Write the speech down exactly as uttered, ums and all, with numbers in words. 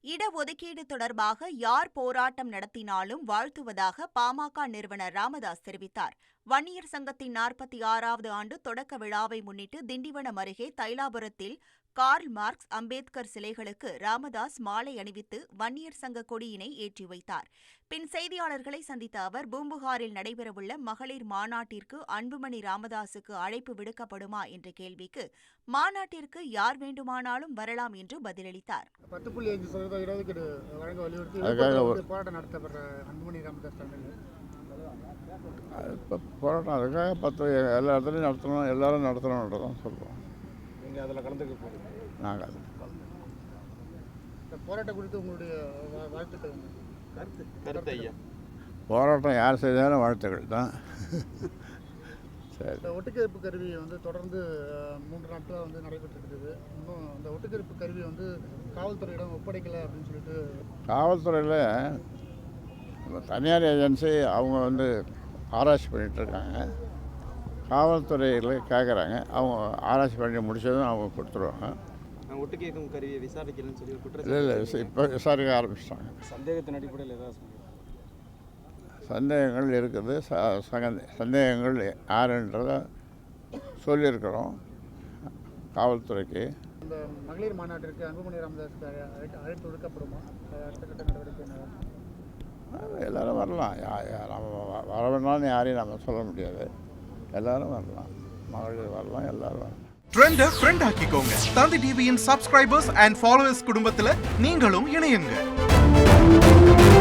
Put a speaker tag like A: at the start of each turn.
A: இடஒதுக்கீடு தொடர்பாக யார் போராட்டம் நடத்தினாலும் வாழ்த்துவதாக பாமக நிறுவனர் ராமதாஸ் தெரிவித்தார். வன்னியர் சங்கத்தின் நாற்பத்தி ஆறாவது ஆண்டு தொடக்க விழாவை முன்னிட்டு திண்டிவனம் அருகே தைலாபுரத்தில் கார்ல் மார்க்ஸ், அம்பேத்கர் சிலைகளுக்கு ராமதாஸ் மாலை அணிவித்து வன்னியர் சங்க கொடியினை ஏற்றி வைத்தார். பின் செய்தியாளர்களை சந்தித்த அவர், பூம்புகாரில் நடைபெறவுள்ள மகளிர் மாநாட்டிற்கு அன்புமணி ராமதாசுக்கு அழைப்பு விடுக்கப்படுமா என்ற கேள்விக்கு மாநாட்டிற்கு யார் வேண்டுமானாலும் வரலாம் என்று பதிலளித்தார்.
B: பத்து புள்ளி ஐந்து சதவீத இடஒதுக்கீடு வழங்க வலியுறுத்தி போராட்டம் நடத்தப்படுற அன்புமணி ராமதாஸ்
C: இப்போ போராட்டம் அதுக்காக பத்து எல்லா இடத்துலையும் நடத்தணும், எல்லாரும் நடத்தணுன்றதான் சொல்லுவோம்.
B: நீங்கள் அதில் கலந்துக்க போகிறீங்க?
C: நாங்கள் அது
B: இந்த போராட்டம் குறித்து உங்களுடைய வாழ்த்துக்கள் கருத்து கருத்து ஐயா.
C: போராட்டம் யார் செய்தாலும் வாழ்த்துக்கள் தான். சரி.
B: இந்த ஒட்டுக்கேற்பு கருவி வந்து தொடர்ந்து மூன்று நாட்களாக வந்து நடைபெற்றுருக்குது. இன்னும் அந்த ஒட்டுக்கேற்பு கருவி வந்து காவல்துறையிடம் ஒப்படைக்கலை அப்படின்னு சொல்லிட்டு
C: காவல்துறையில் தனியார் ஏஜென்சி அவங்க வந்து ஆராய்ச்சி பண்ணிகிட்ருக்காங்க. காவல்துறையில் கேட்குறாங்க, அவங்க ஆராய்ச்சி பண்ணி முடிச்சதும் அவங்க கொடுத்துருவாங்க.
D: ஒட்டு கேட்கும் கருவியை விசாரிக்கலன்னு சொல்லி குற்றம்
C: இல்லை இல்லை இப்போ விசாரிக்க ஆரம்பிச்சிட்டாங்க.
D: சந்தேகத்தின் அடிப்படையில் ஏதாவது
C: சந்தேகங்கள் இருக்குது. ச சந்தேகங்கள் யாருன்றதை சொல்லியிருக்கிறோம் காவல்துறைக்கு.
B: இந்த மகளிர் மாநாட்டிற்கு அன்புமணி ராமதாஸுக்கு அழைப்பு விடுக்கப்படுமா? அடுத்த கட்ட நடவடிக்கை
C: எல்லோரும் வரலாம். நம்ம வர வேணாம்னு யாரையும் நம்ம சொல்ல முடியாது. எல்லாரும் வரலாம், மகளிர் வரலாம், எல்லாரும் வரலாம்.
E: ட்ரெண்டை ஃப்ரெண்ட் ஆக்கிக்கோங்க. தந்தி டிவியின் சப்ஸ்கிரைபர்ஸ் அண்ட் ஃபாலோவர்ஸ் குடும்பத்தில் நீங்களும் இணையுங்க.